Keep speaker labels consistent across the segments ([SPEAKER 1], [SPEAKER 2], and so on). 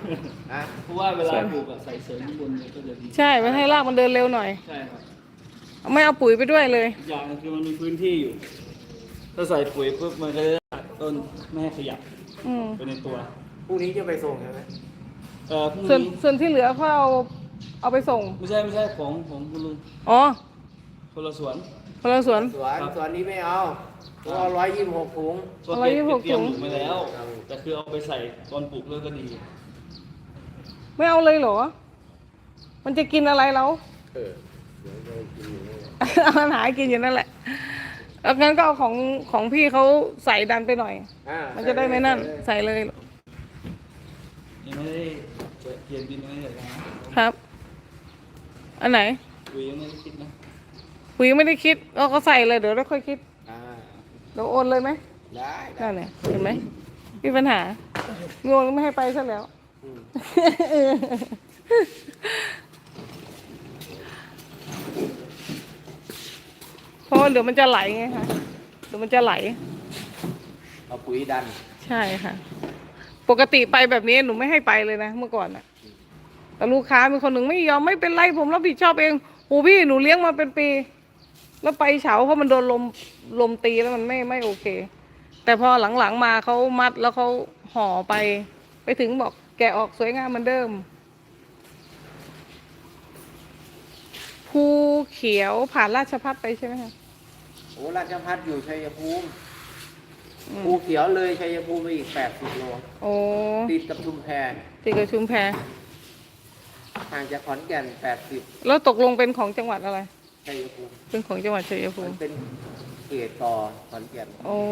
[SPEAKER 1] เพราะว่าเวลาปลูกใส่เสริมข้างบนเนี่ยก็จะดี
[SPEAKER 2] ใช่ไม่ให้รากมันเดินเร็วหน่อย
[SPEAKER 1] ใช่ครับ
[SPEAKER 2] ไม่เอาปุ๋ยไปด้วยเลย
[SPEAKER 1] อย่างคือมันมีพื้นที่อยู่ถ้าใส่ปุ๋ยปุ๊บมันก็จะตัดต้นไม่ให้ขยับไปในตัว
[SPEAKER 3] พรุ่งนี้จะไปส่งใช่ไหม
[SPEAKER 1] พรุ่งนี้
[SPEAKER 2] ส่วนที่เหลือเขาเอาไปส่ง
[SPEAKER 1] ไม่ใช่ของคุณลุง
[SPEAKER 2] อ๋อ
[SPEAKER 1] คนละสวน
[SPEAKER 2] คนละสวน
[SPEAKER 3] นี้ไม่เอาตัว126 ถุง
[SPEAKER 1] ตัวเก็บเตรียมอยู่มาแล้วแต่คือเอาไปใส่ตอนปลูกเลยก็ดี
[SPEAKER 2] ไม่เอาเลยเหรอมันจะกินอะไรเราเอาอาหารกินอยู่นั่นแหละแล้วงั้นก็เอาของพี่เขาใส่ดันไปหน่อยมันจะได้ไม่นั่นใส่เลย
[SPEAKER 1] ยังไม่ได้เย็นดินไม่ได้เลย
[SPEAKER 2] ครับอันไหน
[SPEAKER 1] ปุ๋ยยังไม่ได้คิดนะ
[SPEAKER 2] ปุ๋ยไม่ได้คิดก็ใส่เลยเดี๋ยวเราค่อยคิดเราโอนเลยไหม
[SPEAKER 3] ได้
[SPEAKER 2] นั่นแหละเห็นไหมมีปัญหาโยนไม่ให้ไปซะแล้วเพราะเดี๋ยวมันจะไหลไงคะเดี๋ยวมันจะไหล
[SPEAKER 3] เอาปุ๋ยดัน
[SPEAKER 2] ใช่ค่ะปกติไปแบบนี้หนูไม่ให้ไปเลยนะเมื่อก่อนแต่ลูกค้ามีคนหนึ่งไม่ยอมไม่เป็นไรผมรับผิดชอบเองโอ้พี่หนูเลี้ยงมาเป็นปีแล้วไปเฉาเพราะมันโดนลมตีแล้วมันไม่โอเคแต่พอหลังๆมาเขามัดแล้วเขาห่อไปถึงบอกแกะออกสวยงามเหมือนเดิมภูเขียวผ่านราชภัฏไปใช่ไหมคะ
[SPEAKER 3] โอ้ราชภัฏอยู่ชัยภูมิภูเขียวเลยชัยภูมิไปอีก80 โล
[SPEAKER 2] โอ้
[SPEAKER 3] ติดกับชุมแพ
[SPEAKER 2] ติดกับชุมแพ
[SPEAKER 3] ห่างจากขอนแก่น80
[SPEAKER 2] แล้วตกลงเป็นของจังหวัดอะไร
[SPEAKER 3] ชัยภูมิ
[SPEAKER 2] เป็นของจังหวัดชัยภูมิ
[SPEAKER 3] เป็นเขตต่อขอนแก่น
[SPEAKER 2] โอ้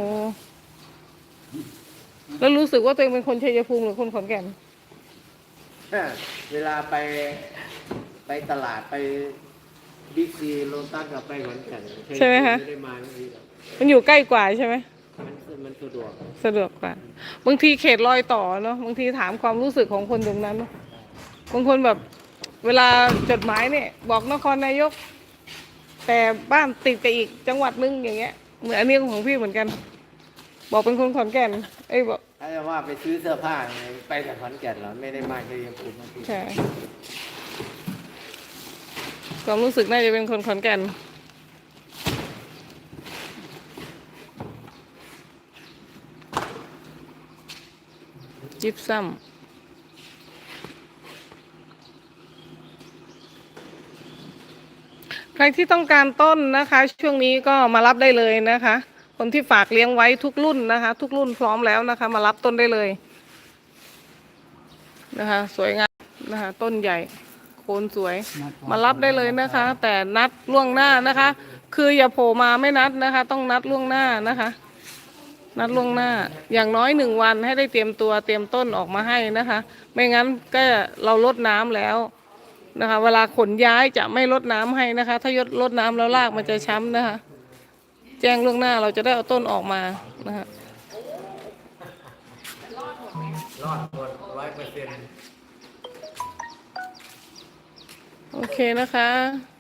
[SPEAKER 2] แล้วรู้สึกว่าตัวเองเป็นคนชัยภูมิหรือคนขอนแก่น
[SPEAKER 3] เวลาไปตลาดไปบิ๊กซีโลตัสกับไปขอนแก่น
[SPEAKER 2] ใช่ไหมคะ
[SPEAKER 3] ไม่ได้มา
[SPEAKER 2] มันอยู่ใกล้กว่าใช่ไหม
[SPEAKER 3] มันสะด
[SPEAKER 2] วกกว่าบางทีเขตรอยต่อเนาะบางทีถามความรู้สึกของคนตรงนั้นบางคนแบบเวลาจดหมายเนี่ยบอกนครนายกแต่บ้านติดกับอีกจังหวัดนึงอย่างเงี้ยเหมือนอันนี้ของพี่เหมือนกันบอกเป็นคนขอนแก่นบอก
[SPEAKER 3] ถ้าจะว่าไปซื้อเสื้อผ้าไปแต่ขอนแก่นเหรอไม่ได้มาชัยภูมิ
[SPEAKER 2] ใช่ความรู้สึกน่าจะเป็นคนขอนแก่นยิบซ้ำใครที่ต้องการต้นนะคะช่วงนี้ก็มารับได้เลยนะคะคนที่ฝากเลี้ยงไว้ทุกรุ่นนะคะทุกรุ่นพร้อมแล้วนะคะมารับต้นได้เลยนะคะสวยงามนะคะต้นใหญ่โคนสวยมารับได้เลยนะคะแต่นัดล่วงหน้านะคะคืออย่าโผล่มาไม่นัดนะคะต้องนัดล่วงหน้านะคะนัดล่วงหน้าอย่างน้อย1 วันให้ได้เตรียมตัวเตรียมต้นออกมาให้นะคะไม่งั้นก็เราลดน้ำแล้วนะคะเวลาขนย้ายจะไม่ลดน้ำให้นะคะถ้ารดน้ำแล้วรากมันจะช้ำนะคะแจ้งล่วงหน้าเราจะได้เอาต้นออกมานะคะ
[SPEAKER 3] รอดหมด100%
[SPEAKER 2] โอเคนะคะ